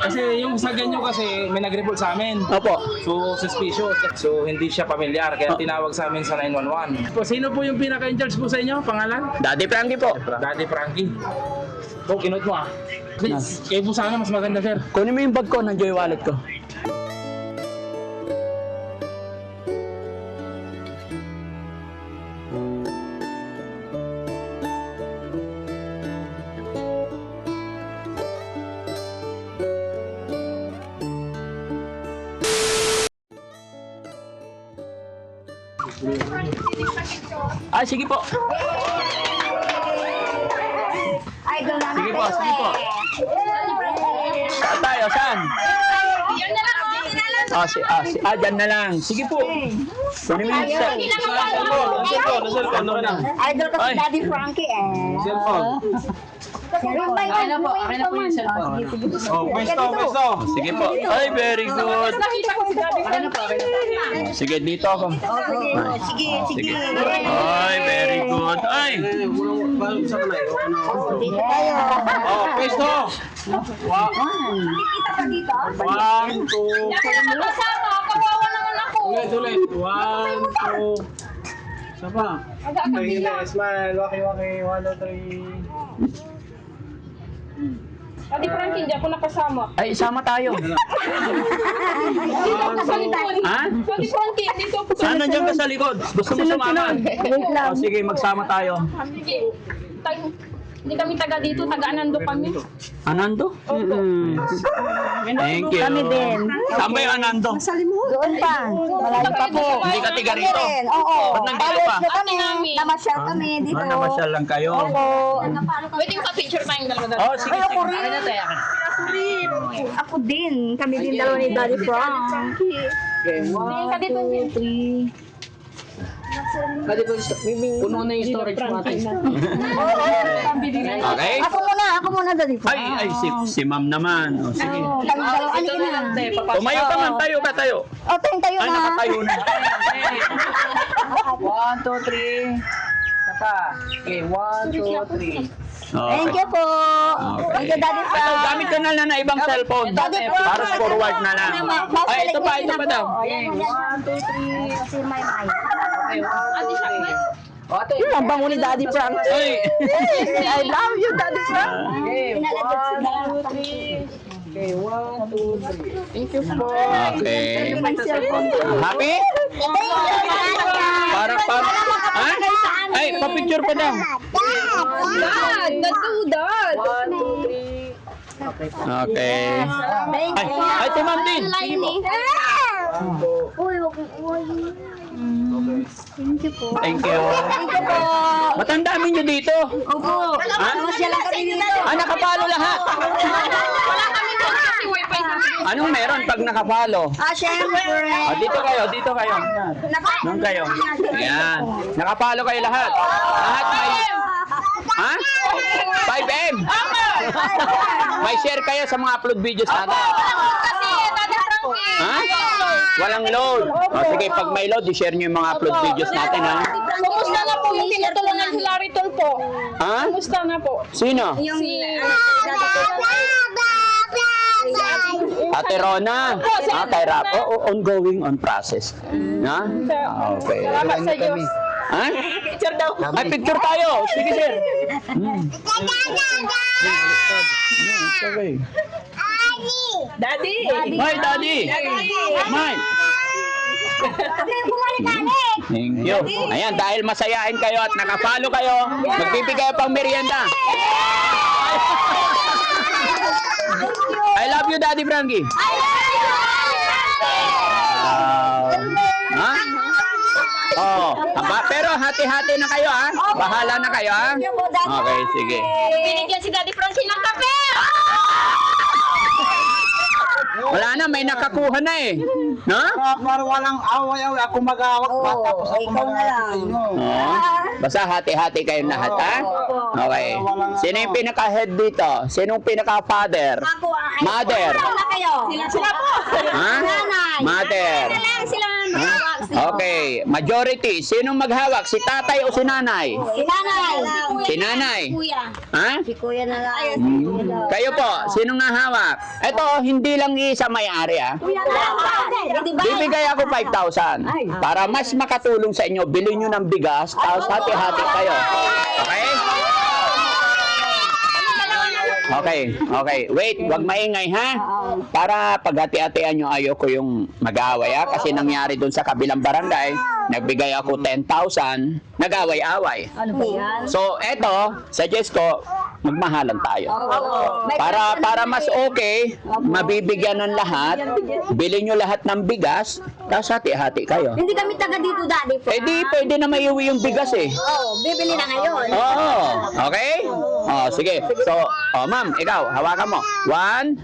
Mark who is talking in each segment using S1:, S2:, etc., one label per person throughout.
S1: Kasi yung sa ganyo kasi may nag-report sa amin.
S2: Opo.
S1: So, suspicious. So, hindi siya pamilyar. Kaya tinawag sa amin sa 911. Po, sino po yung pinaka-in-charge po sa inyo? Pangalan?
S2: Daddy Frankie po.
S1: Daddy Frankie. Po, kinot mo ah. Kayo po sana mas maganda, sir.
S2: Kunin mo yung bag ko, nandiyo yung wallet ko. Sige po.
S3: Idol namin.
S2: Sige po, sige po. Saan tayo? Saan? Dyan na lang. Sige po. Kunin mo yung cellphone.
S3: Idol kasi Daddy Frankie eh.
S1: Cellphone.
S3: Akin na po yung cellphone.
S1: Oh, pwesto.
S2: Sige po. Ay, very good. Sige, dito ako.
S3: Sige.
S2: Ay, very good. Ay!
S3: Dito tayo.
S1: Oh, pwesto. One, two. Ulit. One, two. Sapa. Smile. Waki. 1, 2, 3.
S4: Daddy Frankie, hindi ako nakasama.
S2: Ay, sama tayo.
S4: Dito ako sa likod.
S2: Ha?
S4: Daddy Frankie, dito ako sa
S2: Saan nandiyan ka sa likod? Gusto mo sumama?
S3: Wait lang.
S2: O, sige, magsama tayo.
S4: Sige. Hindi kami taga dito, taga Anando kami.
S2: Anando? Thank you.
S3: Kami din.
S2: Saan ba yung Anando?
S3: Doon pa. Malayo pa po.
S2: Hindi ka tiga rito?
S3: Oo.
S2: Ba't nandito pa?
S3: College na kami.
S4: Namin.
S3: Namasyal kami dito.
S2: Namasyal lang kayo.
S3: Opo.
S4: Waiting pa picture tayong dalawa.
S2: Oh, sige.
S3: Ay, ako rin. Ako din. Kami din dalawa ni Daddy Frankie.
S4: Tingin ka dito.
S3: 3.
S5: Puno na yung storage natin.
S2: Okay?
S3: Ako muna Daddy Frankie.
S2: Ay, si ma'am naman. O, sige.
S3: Kami dalawa. Ano ka na?
S2: Tumayo ka man, tayo.
S3: O, tayo
S2: Ay,
S3: na.
S2: nakatayo na.
S5: 1, 2, 3. Sapa. Okay, 1, 2, 3.
S3: Thank you po. Thank you, Daddy
S2: Ito,
S3: Frankie.
S2: gamit ka na lang na ibang cellphone.
S3: Daddy Frankie.
S2: Para forward na lang. Ay, ito pa daw.
S3: Ayan, 1, 2, 3. Kasi may mic.
S4: Ate siya.
S3: Yun ang bango ni Daddy Frankie.
S2: Ay.
S3: I love you, Daddy Frankie.
S5: Okay,
S3: Pinalagyan si
S5: 1, 2, 3. Okay, 1, 2, 3. Thank you po.
S2: Okay.
S3: May cellphone.
S2: Happy?
S3: Thank you.
S2: Ha? Ay, pa-picture pa daw.
S4: Dad! Dad!
S5: 1, 2, 3. Okay.
S2: Okay. Ay, ito ma'am din. Sige po.
S3: Thank you po.
S2: Thank you.
S3: Thank you po.
S2: Ba't ang dami nyo dito?
S3: Opo. Masya lang kami dito.
S2: Nakapalo lahat.
S4: Wala kami doon kasi wifi sa
S2: Anong meron pag nakapalo?
S3: Syempre.
S2: Dito kayo. Doon kayo. Ayan. Nakapalo kayo lahat. Lahat may... Ha? 5M? May share kayo sa mga upload videos natin.
S4: Kasi Daddy Frankie.
S2: Ha? Walang load. O sige, pag may load, i-share nyo yung mga upload videos natin, ha?
S4: Kumusta na po yung tinutulungan si Larry Tol po?
S2: Ha?
S4: Kumusta na po?
S2: Sino?
S3: Yung
S2: Ate Rona. Kay Rapo. Ongoing on process. Ha? Okay.
S4: Salamat sa Diyos.
S2: Ha?
S4: Picture daw.
S2: Ay, picture tayo. Sige, sir. Okay.
S4: Daddy.
S2: Hi, Daddy. Mike. Thank you. Ayan, dahil masayain kayo at nakapalo kayo, magbibigay pang merienda. I love you, Daddy Frankie. Ha? Oh, pero hati-hati na kayo, ha? Bahala na kayo, ha? Okay, sige.
S4: Binigyan si Daddy Frankie ng kape.
S2: Wala na, may nakakuha na eh. No?
S5: Para walang away-away, ako mag-awak. Tapos ako
S3: ikaw na lang.
S2: Oh. Basta hati-hati kayong lahat, ha? Okay. Sino yung pinaka-head dito? Sinong pinaka-father?
S3: Ako,
S2: Mother.
S3: Wala kayo. Sila po.
S2: Ha?
S3: Nanay.
S2: Mother.
S3: Sila maghawak.
S2: Okay. Majority. Sinong maghawak? Si tatay o si nanay?
S3: Si nanay.
S2: Si nanay.
S3: Kuya.
S2: Ha?
S3: Si kuya na lang.
S2: Kayo po, sinong nahawak? Ito, hindi lang isa may-ari ah. Bibigay ako 5,000 para mas makatulong sa inyo. Bilhin nyo ng bigas, tapos hati-hati kayo. Okay? Okay. Wait, wag maingay ha. Para paghati-hatian nyo, ayoko yung mag-away ha. Kasi nangyari dun sa kabilang barangay, nagbigay ako 10,000, nag-away-away.
S3: Ano ba yan?
S2: So, eto, suggest ko, magmahalan tayo. Para mas okay, mabibigyan ng lahat, bilhin nyo lahat ng bigas, tapos hati-hati kayo.
S3: Hindi kami taga dito, Daddy Frank.
S2: Eh di, pwede na maiuwi yung bigas eh.
S3: Oo, bibili na ngayon.
S2: Oo. Okay? Oh, sige. So, ma'am, ikaw, hawakan mo. 1,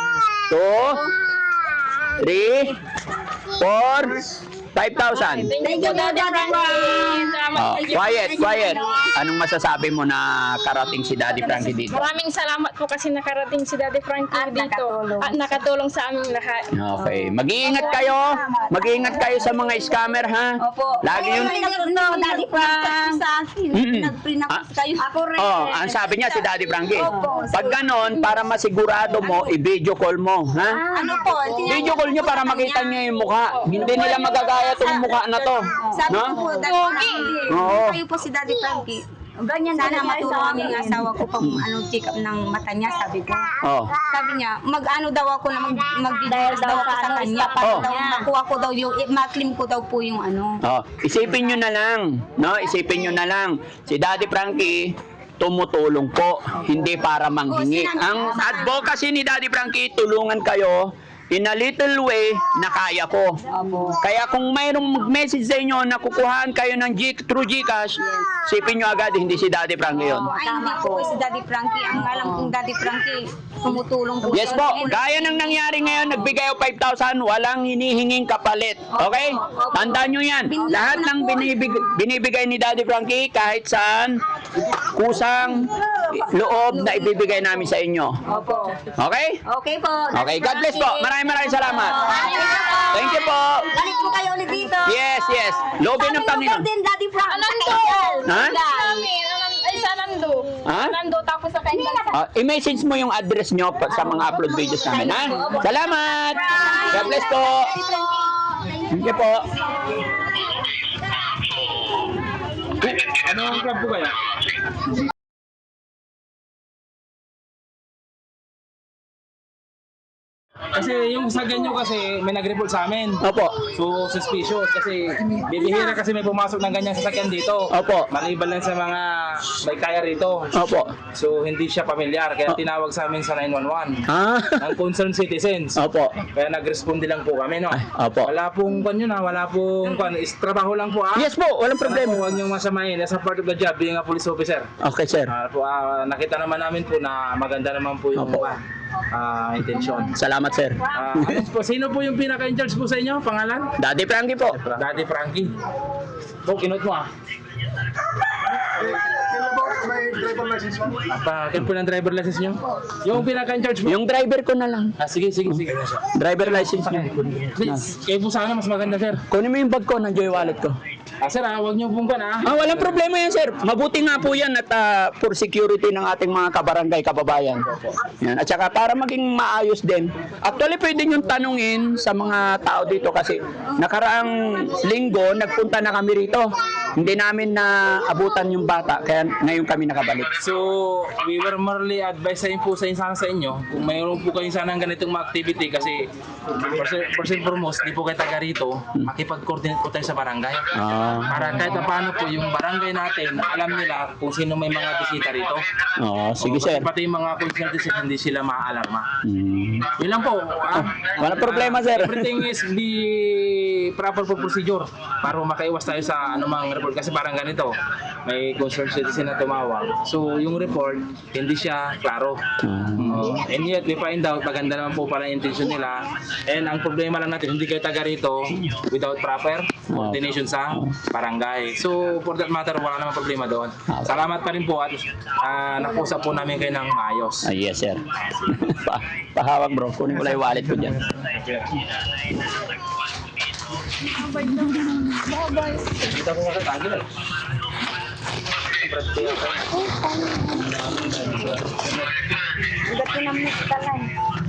S2: 2, 3, 4, 5,000.
S3: Thank you, Daddy Frank.
S2: Oh, quiet. Anong masasabi mo na karating si Daddy Frankie dito?
S4: Maraming salamat po kasi nakarating si Daddy Frankie dito. At nakatulong sa aming lahat.
S2: Okay. Mag-iingat kayo. Mag-iingat kayo sa mga scammer, ha?
S3: Opo.
S2: Lagi yung...
S3: No, Daddy Frank. Sa akin. Nagprinapos kayo. Ako rin.
S2: Oh, ang sabi niya si Daddy Frankie.
S3: Opo.
S2: Pag ganon, para masigurado mo, i-video call mo, ha?
S3: Ano po?
S2: Video call nyo para makita nyo yung mukha. Hindi nila magagaya itong mukha na to.
S3: Sabi
S2: No?
S3: ko po, Daddy Frankie.
S2: Oo.
S3: Kayo po si Daddy Frankie. Ganyan sana matulungan ang asawa ko pag check up ng mata niya, sabi ko.
S2: Oh.
S3: Sabi niya, mag-ano daw ako na mag-divorce daw ako sa kanya para
S2: Oh.
S3: daw makuha ko daw yung, ma-claim ko daw po yung ano.
S2: Oh, isipin nyo na lang, no? Isipin nyo na lang. Si Daddy Frankie, tumutulong po, hindi para manghingi. Ang advocacy ni Daddy Frankie, tulungan kayo in a little way na kaya ko. Kaya kung mayroong mag-message sa inyo na kukuhaan kayo ng through Gcash, isipin nyo agad, hindi si Daddy Frankie yun.
S3: Ay, hindi po si Daddy Frankie. Ang alam kong Daddy Frankie, tumutulong po.
S2: Yes po, gaya ng nangyari ngayon, nagbigay ako 5,000, walang hinihinging kapalit. Okay? Tandaan nyo yan. Lahat ng binibigay ni Daddy Frankie, kahit saan, kusang loob na ibibigay namin sa inyo.
S3: Opo.
S2: Okay?
S3: Okay po.
S2: Okay, God bless po. Maraming salamat. Thank you po.
S3: Balik po kayo ulit dito.
S2: Yes. Loobin ng Panginoon.
S3: Din, Daddy Frank.
S4: Anando!
S2: Ha?
S4: Namin, ay sa Nando.
S2: Ha?
S4: Nando, tapos sa kanya.
S2: I-message mo yung address nyo sa mga upload videos namin, ha? Salamat! God bless po! Thank you po.
S1: Anong club po kaya? Kasi yung sa ganyo kasi may nag-report sa amin.
S2: Opo.
S1: So suspicious kasi bibihira kasi may pumasok ng ganyang sasakyan dito.
S2: Opo.
S1: Maliban lang sa mga may kaya rito.
S2: Opo.
S1: So hindi siya pamilyar kaya tinawag sa amin sa 911
S2: Ah.
S1: ng concerned citizens.
S2: Opo.
S1: Kaya nag-responde lang po kami, no?
S2: Ay, opo.
S1: Wala pong wala pong trabaho lang po, ah.
S2: Yes po, walang problema.
S1: Huwag niyong masamahin. As a part of the job, being a police officer.
S2: Okay, sir.
S1: Nakita naman namin po na maganda naman po yung
S2: Opo.
S1: intention.
S2: Salamat, sir.
S1: Sino po yung pinaka-in-charge po sa inyo? Pangalan?
S2: Daddy Frankie po.
S1: Daddy Frankie. Kinot mo, ah. Pakil po ng driver license nyo? Yung pinaka-in-charge mo?
S2: Yung driver ko na lang.
S1: Sige.
S2: Driver license niyo.
S1: Please, kayo po sana mas maganda, sir.
S2: Kunin mo yung bag ko, nandiyo yung wallet ko.
S1: Sir, huwag niyo pong
S2: Walang problema yan, sir. Mabuti nga po yan at for security ng ating mga kabarangay, kababayan. Yan. At saka para maging maayos din. Actually, pwede nyo tanungin sa mga tao dito kasi nakaraang linggo, nagpunta na kami rito. Hindi namin na abutan yung bata, kaya ngayon kami nakabalik.
S1: So, we were merely advising po sa inyo kung mayroon po kayo sana ng ganitong mga activity kasi first and foremost, di po kayo taga rito, makipag-coordinate po tayo sa barangay. Para kahit na paano po yung barangay natin, alam nila kung sino may mga bisita rito.
S2: Sige, sir.
S1: Pati yung mga concerned citizens, hindi sila maaalarma. Yun lang po.
S2: Walang problema, sir.
S1: Everything is the proper procedure para makaiwas tayo sa anumang report kasi parang ganito, may concerned citizen na tumawag. So yung report, hindi siya klaro. And yet, we find out, maganda naman po pala yung intention nila. And ang problema lang natin, hindi kayo taga rito without proper coordination sa barangay. So for that matter, wala namang problema doon. Salamat pa rin po at nakusap po namin kayo ng maayos.
S2: Yes, sir. Pahawak, bro. Kunin ko lang yung wallet ko dyan.
S1: Kita ko sa tagil eh.
S3: Ugat ko ng mustalan.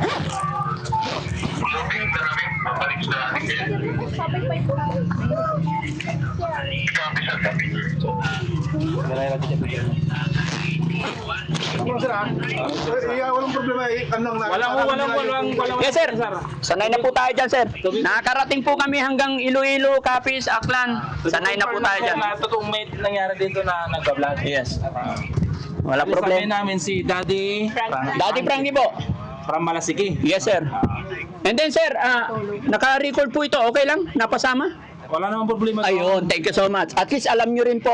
S6: Walang problema eh.
S1: Walang.
S2: Yes, sir. Sanay na po tayo dyan, sir. Nakakarating po kami hanggang Iloilo, Capiz, Aklan. Sanay na po tayo dyan.
S1: Totoong may nangyari dito na nagbablog.
S2: Yes. Wala
S1: Sabi
S2: problema.
S1: namin si Daddy
S2: Daddy Frankie po.
S1: from Malasiki.
S2: Yes, sir. And then, sir, naka-record po ito. Okay lang? Napasama?
S1: Wala namang problema.
S2: Ayun, thank you so much. At least alam nyo rin po.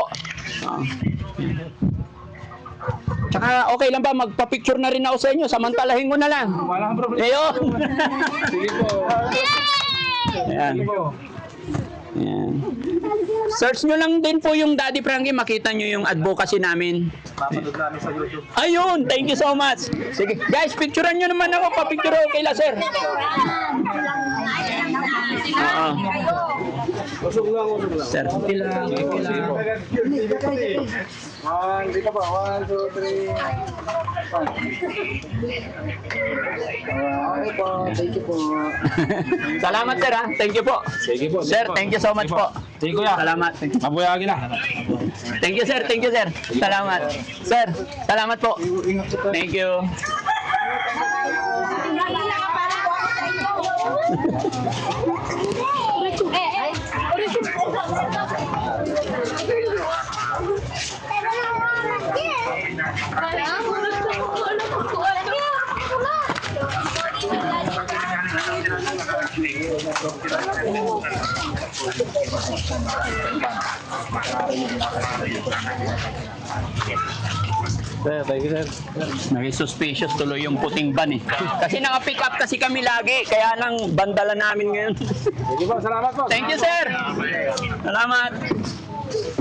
S2: Tsaka okay lang ba, magpa-picture na rin ako sa inyo, samantalahin ko na lang.
S1: Wala kang problema.
S2: Ayun.
S1: Sige po.
S2: Ayan.
S1: Sige po.
S2: Ayan. Search nyo lang din po yung Daddy Frankie, makita nyo yung advocacy namin.
S1: Papanood namin sa YouTube.
S2: Ayun, thank you so much. Sige, guys, picturean nyo naman ako, pa-picture ako kay sir. Oo.
S6: Usog lang.
S2: Sir, lang.
S6: Dito pa. 1, 2, 3. Okay po. Thank you po.
S2: Salamat, sir, ha? Thank you po.
S1: Sige po.
S2: Sir, thank you so much po.
S1: Sige kuya.
S2: Salamat.
S1: Mabuyagi na.
S2: Thank you, sir. Thank you, sir. Salamat. Sir, salamat po. Thank you.
S1: Sir, thank you sir.
S2: Naging suspicious tuloy yung puting van eh. Kasi naka-pick up kasi kami lagi, kaya nang bandala namin ngayon.
S1: Sige po, salamat po.
S2: Thank you, sir. Salamat.